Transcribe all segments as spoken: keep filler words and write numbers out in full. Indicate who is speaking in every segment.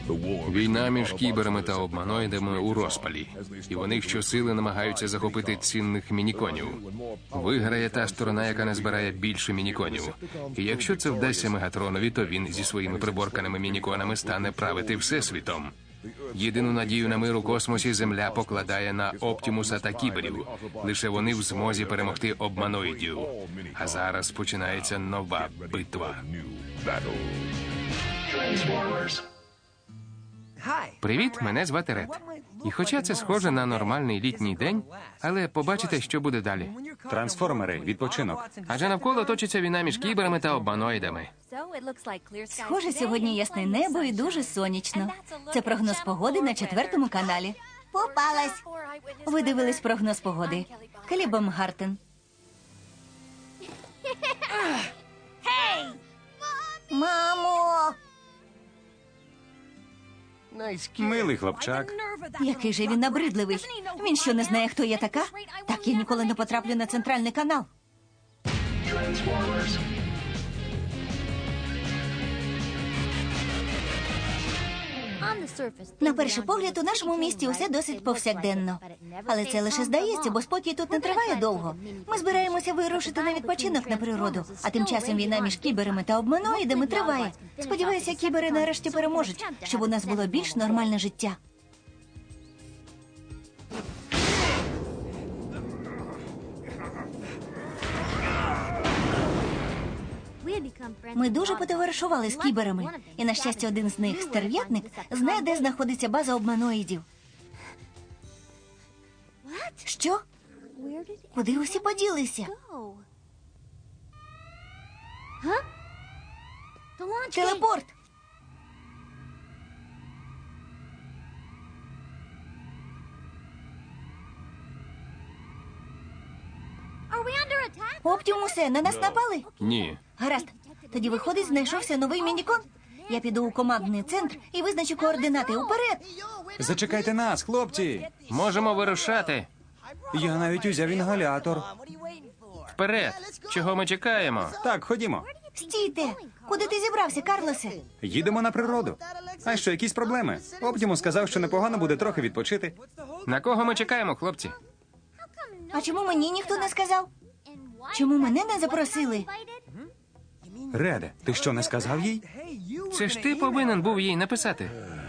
Speaker 1: Війна між кіберами та обманоїдами у розпалі. І вони щосили намагаються захопити цінних мініконів. Виграє та сторона, яка назбирає більше мініконів. І якщо це вдасться Мегатронові, то він зі своїми приборканими мініконами стане правити всесвітом. Єдину надію на мир у космосі Земля покладає на Оптімуса та кіберів. Лише вони в змозі перемогти обманоїдів. А зараз починається нова битва. Привіт, мене звати Ред. І хоча це схоже на нормальний літній день, але побачите, що буде далі.
Speaker 2: Трансформери, відпочинок.
Speaker 1: Адже навколо точиться війна між кіберами та обманоїдами.
Speaker 3: Схоже, сьогодні ясне небо і дуже сонячно. Це прогноз погоди на четвертому каналі. Попалась. Ви дивились прогноз погоди. Келі Бомгартен. Мамо!
Speaker 2: Милий хлопчак.
Speaker 3: Який же він набридливий. Він що, не знає, хто я така? Так я ніколи не потраплю на центральний канал. На перший погляд, у нашому місті усе досить повсякденно. Але це лише здається, бо спокій тут не триває довго. Ми збираємося вирушити на відпочинок на природу, а тим часом війна між кіберами та обманоїдами триває. Сподіваюся, кібери нарешті переможуть, щоб у нас було більш нормальне життя. Ми дуже потоваришували з кіберами. І, на щастя, один з них, стерв'ятник, знає, де знаходиться база обманоїдів. Що? Куди усі поділися? Телепорт! Оптімусе, на нас напали?
Speaker 1: Ні.
Speaker 3: Гаразд. Тоді, виходить, знайшовся новий мінікон. Я піду у командний центр і визначу координати. Уперед!
Speaker 2: Зачекайте нас, хлопці.
Speaker 1: Можемо вирушати.
Speaker 2: Я навіть узяв інгалятор.
Speaker 1: Вперед. Чого ми чекаємо?
Speaker 2: Так, ходімо.
Speaker 3: Стійте! Куди ти зібрався, Карлосе?
Speaker 2: Їдемо на природу. А що, якісь проблеми? Оптімус сказав, що непогано буде трохи відпочити.
Speaker 1: На кого ми чекаємо, хлопці?
Speaker 3: А чому мені ніхто не сказав? Чому мене не запросили?
Speaker 2: Реде, ти що, не сказав їй?
Speaker 1: Це ж ти повинен був їй написати.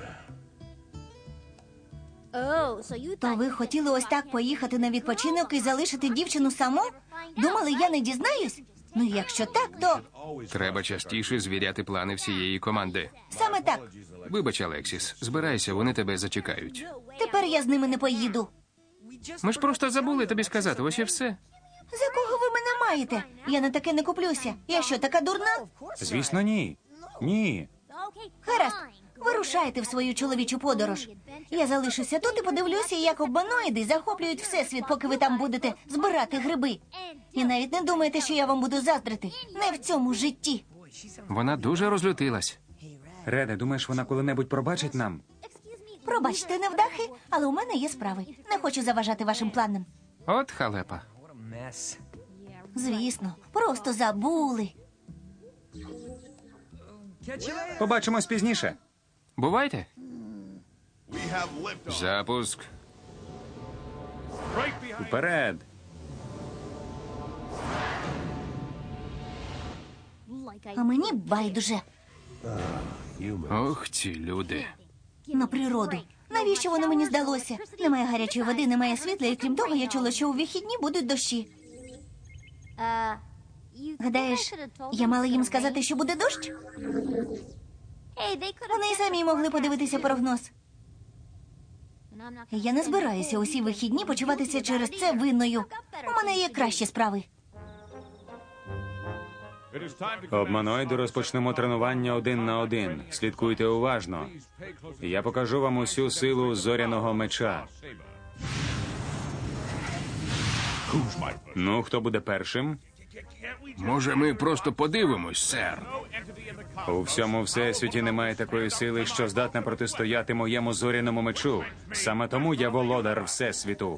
Speaker 3: То ви хотіли ось так поїхати на відпочинок і залишити дівчину саму? Думали, я не дізнаюсь? Ну, якщо так, то...
Speaker 1: Треба частіше звіряти плани всієї команди.
Speaker 3: Саме так.
Speaker 1: Вибач, Алексіс, збирайся, вони тебе зачекають.
Speaker 3: Тепер я з ними не поїду.
Speaker 1: Ми ж просто забули тобі сказати, ось і все.
Speaker 3: За кого ви мене маєте? Я на таке не куплюся. Я що, така дурна?
Speaker 2: Звісно, ні. Ні.
Speaker 3: Гаразд, вирушайте в свою чоловічу подорож. Я залишуся тут і подивлюся, як обманоїди захоплюють всесвіт, поки ви там будете збирати гриби. І навіть не думайте, що я вам буду заздрити. Не в цьому житті.
Speaker 1: Вона дуже розлютилась.
Speaker 2: Реде, думаєш, вона коли-небудь пробачить нам?
Speaker 3: Пробачте, невдахи, але у мене є справи. Не хочу заважати вашим планам.
Speaker 1: От халепа.
Speaker 3: Звісно, просто забули.
Speaker 2: Побачимось пізніше.
Speaker 1: Бувайте. Запуск.
Speaker 2: Вперед.
Speaker 3: А мені байдуже.
Speaker 1: Ох, ці люди.
Speaker 3: На природу. Навіщо воно мені здалося? Немає гарячої води, немає світла, і крім того, я чула, що у вихідні будуть дощі. Гадаєш, я мала їм сказати, що буде дощ? Вони й самі могли подивитися прогноз. Я не збираюся усі вихідні почуватися через це винною. У мене є кращі справи.
Speaker 2: Обманоїди розпочнемо тренування один на один. Слідкуйте уважно. Я покажу вам усю силу зоряного меча. Ну, хто буде першим?
Speaker 1: Може, ми просто подивимось, сер?
Speaker 2: У всьому всесвіті немає такої сили, що здатна протистояти моєму зоряному мечу. Саме тому я володар всесвіту.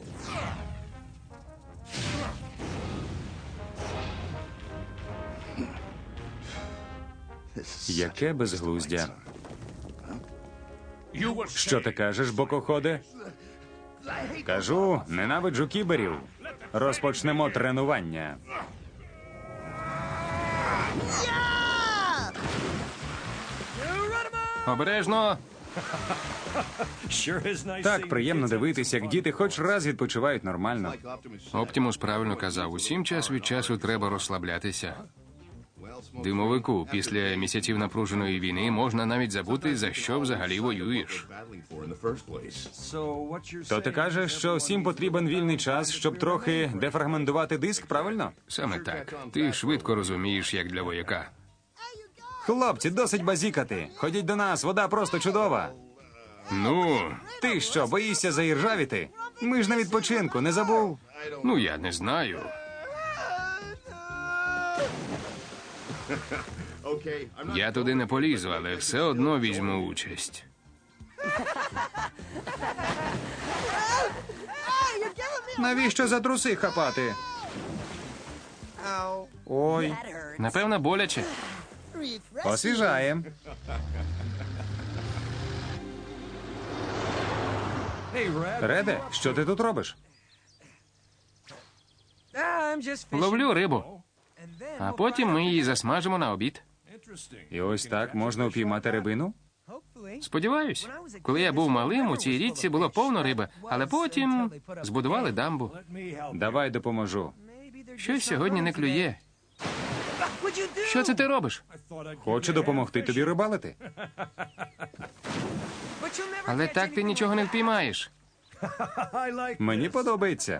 Speaker 2: Яке безглуздя. Що ти кажеш, бокоходе? Кажу, ненавиджу кіберів. Розпочнемо тренування.
Speaker 1: Обережно!
Speaker 2: Так приємно дивитися, як діти хоч раз відпочивають нормально.
Speaker 1: Оптімус правильно казав, усім час від часу треба розслаблятися. Димовику, після місяців напруженої війни можна навіть забути, за що взагалі воюєш.
Speaker 2: То ти кажеш, що всім потрібен вільний час, щоб трохи дефрагментувати диск, правильно?
Speaker 1: Саме так. Ти швидко розумієш, як для вояка.
Speaker 2: Хлопці, досить базікати. Ходіть до нас, вода просто чудова.
Speaker 1: Ну,
Speaker 2: Ти що, боїшся заіржавіти? Ми ж на відпочинку, не забув?
Speaker 1: ну я не знаю. Я туди не полізу, але все одно візьму участь.
Speaker 2: Навіщо за труси хапати? Ой,
Speaker 1: Напевно, боляче.
Speaker 2: освіжає. Реде, що ти тут робиш?
Speaker 1: Ловлю рибу, а потім ми її засмажимо на обід.
Speaker 2: І ось так можна упіймати рибину?
Speaker 1: Сподіваюсь, коли я був малим, у цій річці було повно риби, але потім збудували дамбу.
Speaker 2: Давай допоможу.
Speaker 1: Щось сьогодні не клює. Що це ти робиш?
Speaker 2: Хочу допомогти тобі рибалити.
Speaker 1: Але так ти нічого не впіймаєш.
Speaker 2: Мені подобається.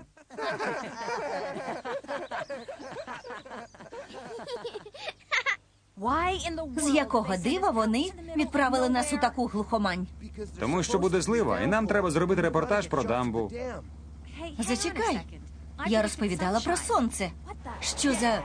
Speaker 3: З якого дива вони відправили нас у таку глухомань?
Speaker 2: Тому що буде злива, і нам треба зробити репортаж про дамбу.
Speaker 3: Зачекай. Я розповідала про сонце. Що за...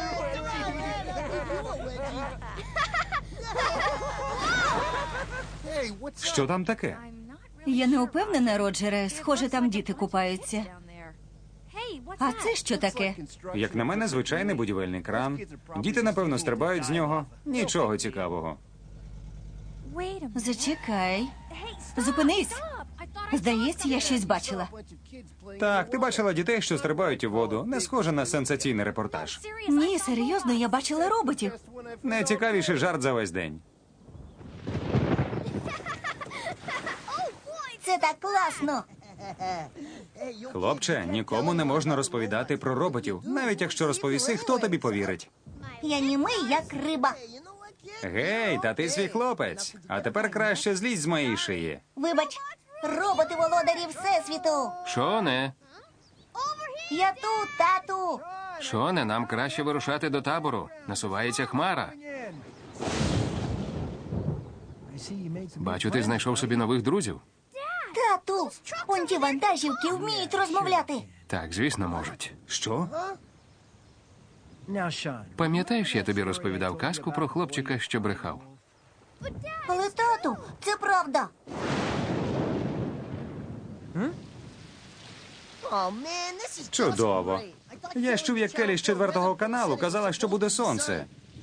Speaker 2: Що там таке?
Speaker 3: Я не упевнена, Роджере. Схоже, там діти купаються. А це що таке?
Speaker 2: Як на мене, звичайний будівельний кран. Діти, напевно, стрибають з нього. Нічого цікавого.
Speaker 3: Зачекай. Зупинись. Здається, я щось бачила.
Speaker 2: Так, ти бачила дітей, що стрибають у воду. Не схоже на сенсаційний репортаж.
Speaker 3: Ні, серйозно, я бачила роботів.
Speaker 2: Найцікавіший жарт за весь день.
Speaker 3: Це так класно.
Speaker 2: Хлопче, нікому не можна розповідати про роботів. Навіть якщо розповіси, хто тобі повірить?
Speaker 3: Я німий, як риба.
Speaker 2: Гей, та ти свій хлопець. А тепер краще злізь з моєї шиї.
Speaker 3: Вибач, роботи володарі Всесвіту.
Speaker 1: Шоне,
Speaker 3: Я тут, тату.
Speaker 1: Шоне, нам краще вирушати до табору. Насувається хмара. Бачу, ти знайшов собі нових друзів.
Speaker 3: Тату, он ті вантажівки вміють розмовляти.
Speaker 1: Так, звісно, можуть.
Speaker 2: Що?
Speaker 1: Пам'ятаєш, я тобі розповідав казку про хлопчика, що брехав?
Speaker 3: Але, тату, це правда.
Speaker 2: Чудово. Я ж чув, як Келі з четвертого каналу казала, що буде сонце.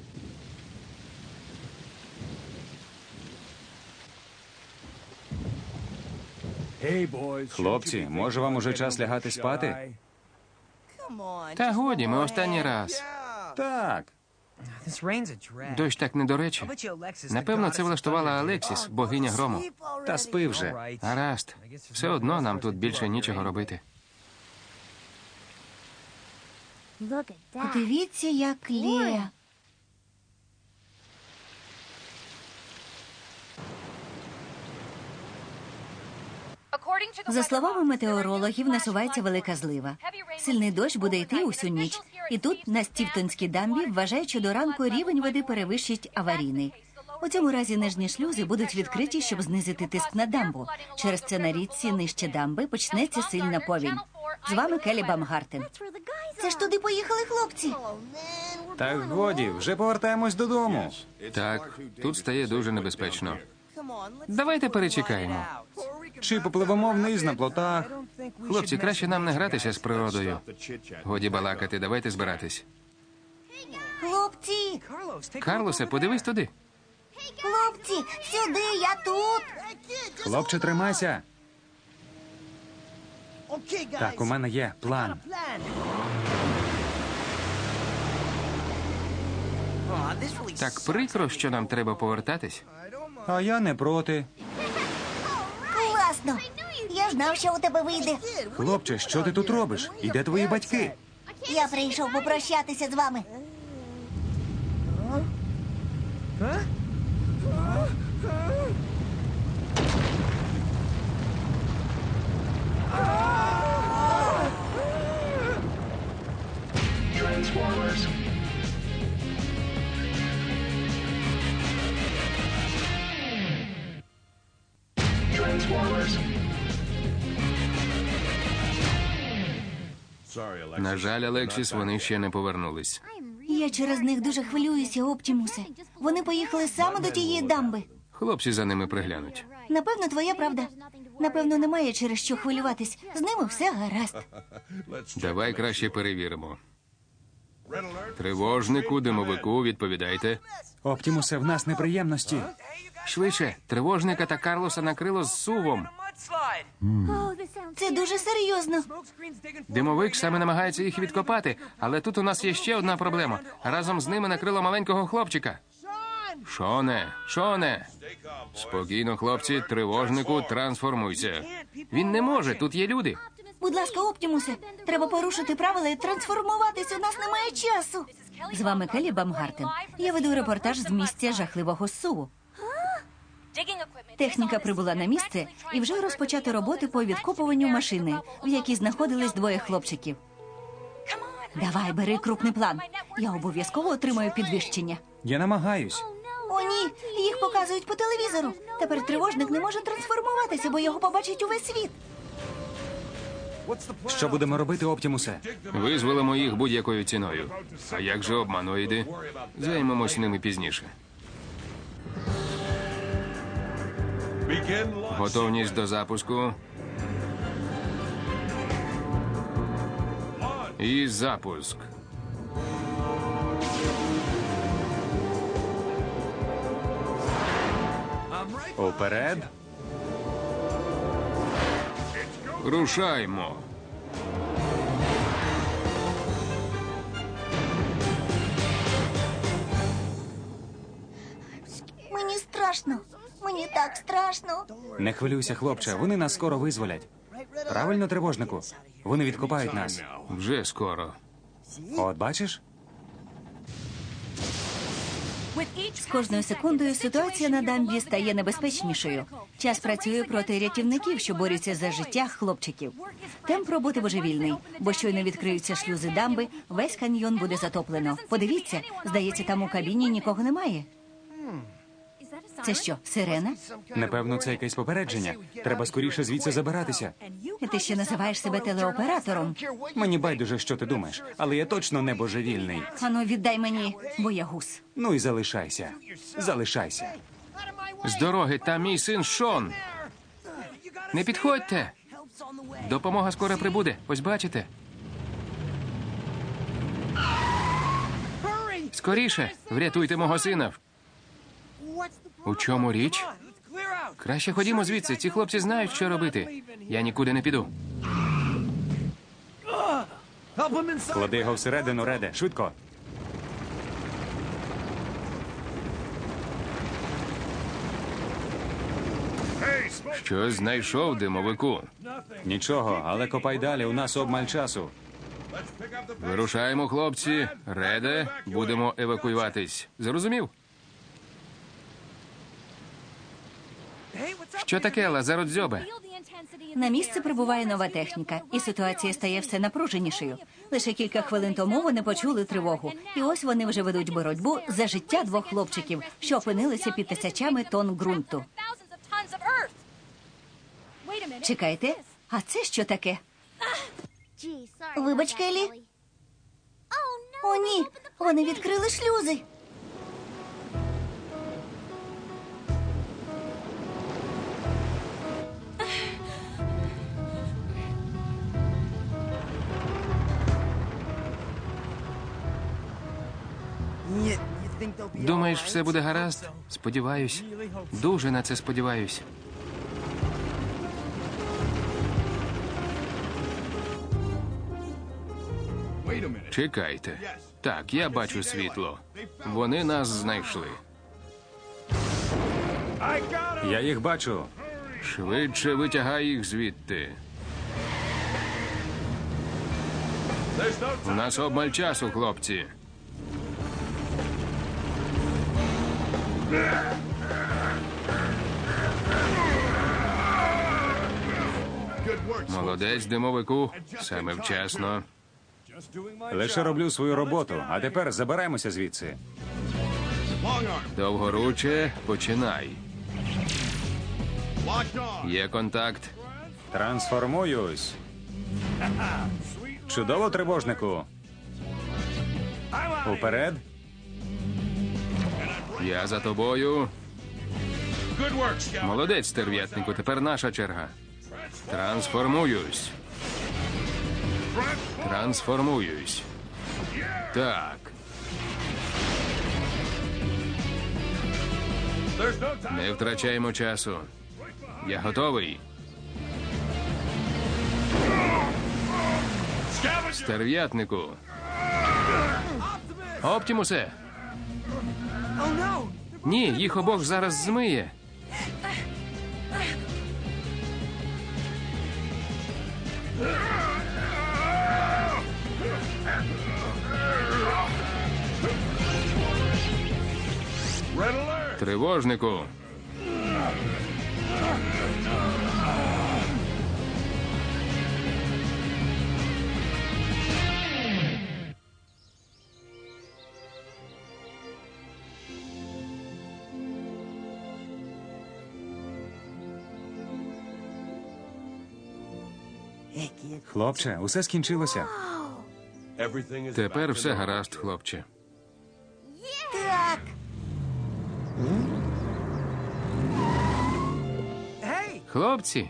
Speaker 2: Хлопці, може вам уже час лягати спати?
Speaker 1: Та годі, ми останній раз.
Speaker 2: Так.
Speaker 1: Дощ так не до речі. Напевно, це влаштувала Алексіс, богиня грому.
Speaker 2: Та спи вже.
Speaker 1: Гаразд. Все одно нам тут більше нічого робити.
Speaker 3: Подивіться, як Лея. За словами метеорологів, насувається велика злива. Сильний дощ буде йти усю ніч. І тут, на Стівтонській дамбі, вважають, що до ранку рівень води перевищить аварійний. У цьому разі нижні шлюзи будуть відкриті, щоб знизити тиск на дамбу. Через це на річці нижче дамби почнеться сильна повінь. З вами Келі Бамгартен. Це ж туди поїхали хлопці.
Speaker 2: Так годі, вже повертаємось додому.
Speaker 1: Так, тут стає дуже небезпечно. Давайте перечекаємо.
Speaker 2: Чи попливемо вниз на плотах?
Speaker 1: Хлопці, краще нам не гратися з природою. Годі балакати, давайте збиратись.
Speaker 3: Хлопці,
Speaker 1: Карлосе, подивись туди.
Speaker 3: хлопці, сюди, я тут.
Speaker 2: Хлопче, тримайся. Так, у мене є план.
Speaker 1: Так прикро, що нам треба повертатись.
Speaker 2: А я не проти.
Speaker 3: Класно! Я знав, що у тебе вийде.
Speaker 2: Хлопче, що ти тут робиш? І де твої батьки?
Speaker 3: Я прийшов попрощатися з вами.
Speaker 1: На жаль, Алексіс, вони ще не повернулись.
Speaker 3: Я через них дуже хвилююся, Оптімусе. Вони поїхали саме до тієї дамби.
Speaker 1: Хлопці за ними приглянуть.
Speaker 3: Напевно, твоя правда. Напевно, немає через що хвилюватись. З ними все гаразд.
Speaker 1: Давай краще перевіримо. Тривожнику, димовику, відповідайте.
Speaker 2: Оптімусе, в нас неприємності.
Speaker 1: Швидше, тривожника та Карлоса накрило з сувом.
Speaker 3: Це дуже серйозно.
Speaker 1: Димовик саме намагається їх відкопати, але тут у нас є ще одна проблема. Разом з ними накрило маленького хлопчика. Шоне, Шоне! Спокійно, хлопці, тривожнику, трансформуйся. Він не може, тут є люди.
Speaker 3: Будь ласка, Оптімусе, треба порушити правила і трансформуватись, у нас немає часу. З вами Келлі Бамгартен. Я веду репортаж з місця жахливого суву. Техніка прибула на місце і вже розпочато роботи по відкопуванню машини, в якій знаходились двоє хлопчиків. Давай, бери крупний план. Я обов'язково отримаю підвищення.
Speaker 2: Я намагаюсь.
Speaker 3: О, ні, їх показують по телевізору. Тепер тривожник не може трансформуватися, бо його побачить увесь світ.
Speaker 2: Що будемо робити, Оптімусе?
Speaker 1: Визволимо їх будь-якою ціною. А як же обманоїди? Займемось ними пізніше. Готовність до запуску. І запуск.
Speaker 2: Уперед.
Speaker 1: Рушаймо.
Speaker 3: Мені страшно. Мені так страшно.
Speaker 2: Не хвилюйся, хлопче, вони нас скоро визволять. Правильно, тривожнику? Вони відкопають нас.
Speaker 1: Вже скоро.
Speaker 2: От бачиш?
Speaker 3: З кожною секундою ситуація на дамбі стає небезпечнішою. Час працює проти рятівників, що борються за життя хлопчиків. Темп роботи божевільний, бо щойно відкриються шлюзи дамби, весь каньйон буде затоплено. Подивіться, здається, там у кабіні нікого немає. Це що, сирена?
Speaker 2: Напевно, це якесь попередження. Треба скоріше звідси забиратися.
Speaker 3: І ти ще називаєш себе телеоператором?
Speaker 2: Мені байдуже, що ти думаєш, але я точно не божевільний.
Speaker 3: Ану, віддай мені боягуз.
Speaker 2: Ну і залишайся. Залишайся.
Speaker 1: З дороги, там мій син Шон. Не підходьте. Допомога скоро прибуде. Ось бачите. Скоріше, врятуйте мого сина. У чому річ? Краще ходімо звідси. Ці хлопці знають, що робити. Я нікуди не піду.
Speaker 2: Клади його всередину, Реде. Швидко.
Speaker 1: Щось знайшов, димовику.
Speaker 2: Нічого, але копай далі, у нас обмаль часу.
Speaker 1: Вирушаємо, хлопці. Реде, будемо евакуюватись. Зрозумів? Що таке, Лазародзьобе?
Speaker 3: На місце прибуває нова техніка, і ситуація стає все напруженішою. Лише кілька хвилин тому вони почули тривогу. І ось вони вже ведуть боротьбу за життя двох хлопчиків, що опинилися під тисячами тонн ґрунту. Чекайте, а це що таке? Вибач, Келлі. О, ні, вони відкрили шлюзи.
Speaker 1: Думаєш, все буде гаразд? Сподіваюсь. Дуже на це сподіваюсь. Чекайте. Так, я бачу світло. Вони нас знайшли.
Speaker 2: Я їх бачу.
Speaker 1: Швидше витягай їх звідти. У нас обмаль часу, хлопці. Молодець, димовику. Саме вчасно.
Speaker 2: Лише роблю свою роботу, а тепер забираємося звідси.
Speaker 1: Довгоруче, починай. Є контакт.
Speaker 2: Трансформуюсь. Чудово, тривожнику. Уперед.
Speaker 1: Я за тобою. Молодець, стерв'ятнику, тепер наша черга. Трансформуюсь. Трансформуюсь. Так. Не втрачаємо часу. Я готовий. Стерв'ятнику. Оптімусе. Ні, їх обох зараз змиє. Тривожнику.
Speaker 2: Хлопче, усе скінчилося.
Speaker 1: Тепер все гаразд, хлопче.
Speaker 3: Так.
Speaker 1: Хлопці.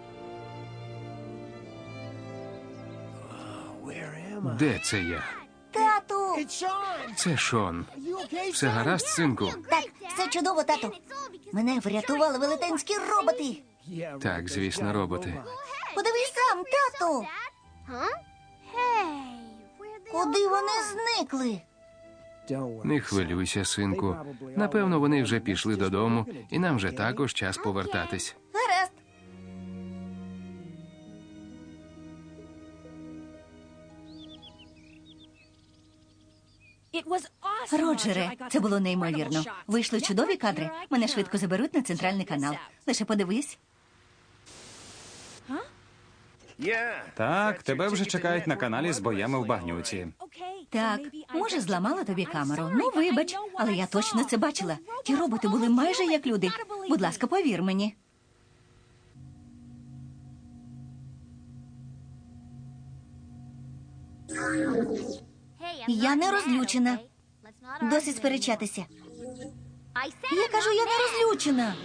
Speaker 1: Де це я?
Speaker 3: Тату.
Speaker 1: Це Шон. Все гаразд, синку?
Speaker 3: Так, все чудово, тату. Мене врятували велетенські роботи.
Speaker 1: Так, звісно, роботи.
Speaker 3: Подивись сам, тату. Куди вони зникли?
Speaker 1: Не хвилюйся, синку. Напевно, вони вже пішли додому, і нам вже також час повертатись.
Speaker 3: Гаразд. Роджере, це було неймовірно. Вийшли чудові кадри. Мене швидко заберуть на центральний канал. Лише подивись.
Speaker 2: Так, тебе вже чекають на каналі з боями в багнюці.
Speaker 3: Так, може, зламала тобі камеру. Ну, вибач, але я точно це бачила. Ті роботи були майже як люди. Будь ласка, повір мені. Я не розлючена. Досить сперечатися. Я кажу, я не розлючена.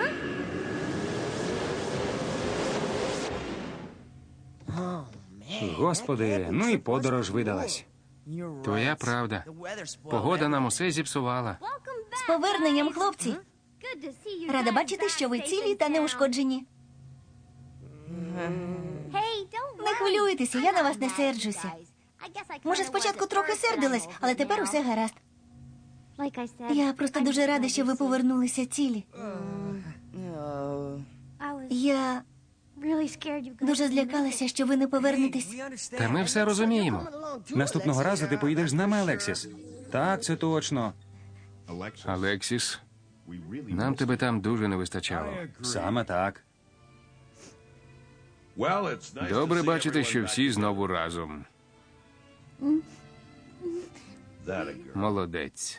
Speaker 2: Господи, ну і подорож видалась.
Speaker 1: Твоя правда. Погода нам усе зіпсувала.
Speaker 3: З поверненням, хлопці. Рада бачити, що ви цілі та неушкоджені. Не хвилюйтеся, я на вас не серджуся. Може, спочатку трохи сердилась, але тепер усе гаразд. Я просто дуже рада, що ви повернулися цілі. Я дуже злякалася, що ви не повернетесь.
Speaker 1: Та ми все розуміємо.
Speaker 2: Наступного разу ти поїдеш з нами, Алексіс. Так, це точно.
Speaker 1: Алексіс, нам тебе там дуже не вистачало.
Speaker 2: Саме так.
Speaker 1: Добре бачити, що всі знову разом. Молодець.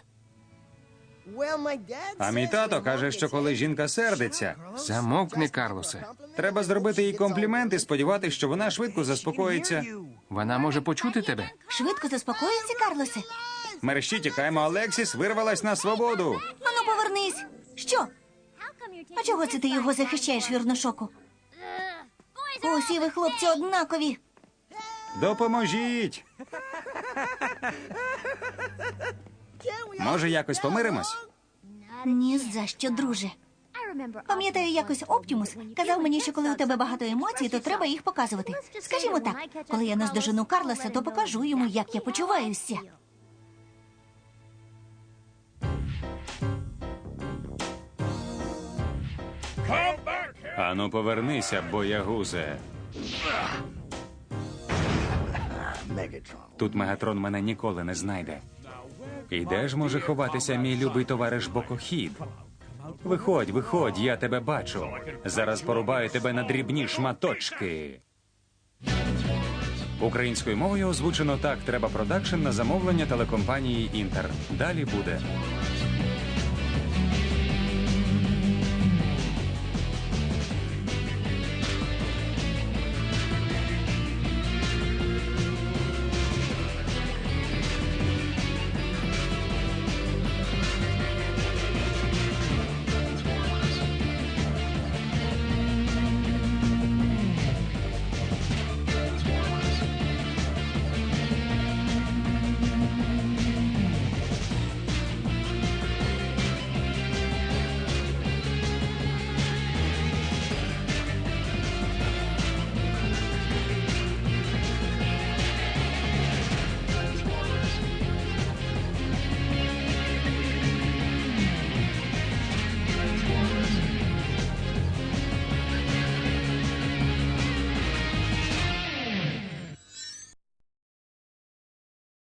Speaker 2: А мій тато каже, що коли жінка сердиться,
Speaker 1: Замовкни, Карлосе.
Speaker 2: треба зробити їй комплімент і сподіватися, що вона швидко заспокоїться.
Speaker 1: Вона може почути тебе.
Speaker 3: Швидко заспокоїться, Карлосе.
Speaker 2: Мерщі тікаємо, Алексіс вирвалась на свободу.
Speaker 3: Ану, повернись. Що? А чого це ти його захищаєш, вірношоку? Усі ви, хлопці, однакові.
Speaker 2: Допоможіть. Може, якось помиримось?
Speaker 3: Ні за що, друже. Пам'ятаю, якось Оптімус казав мені, що коли у тебе багато емоцій, то треба їх показувати. Скажімо так, коли я наздожену Карлоса, то покажу йому, як я почуваюся.
Speaker 2: Ану, повернися, боягузе. Тут Мегатрон мене ніколи не знайде. І де ж може ховатися мій любий товариш Бокохід? Виходь, виходь, я тебе бачу. Зараз порубаю тебе на дрібні шматочки. Українською мовою озвучено «Так треба продакшн» на замовлення телекомпанії «Інтер». Далі буде.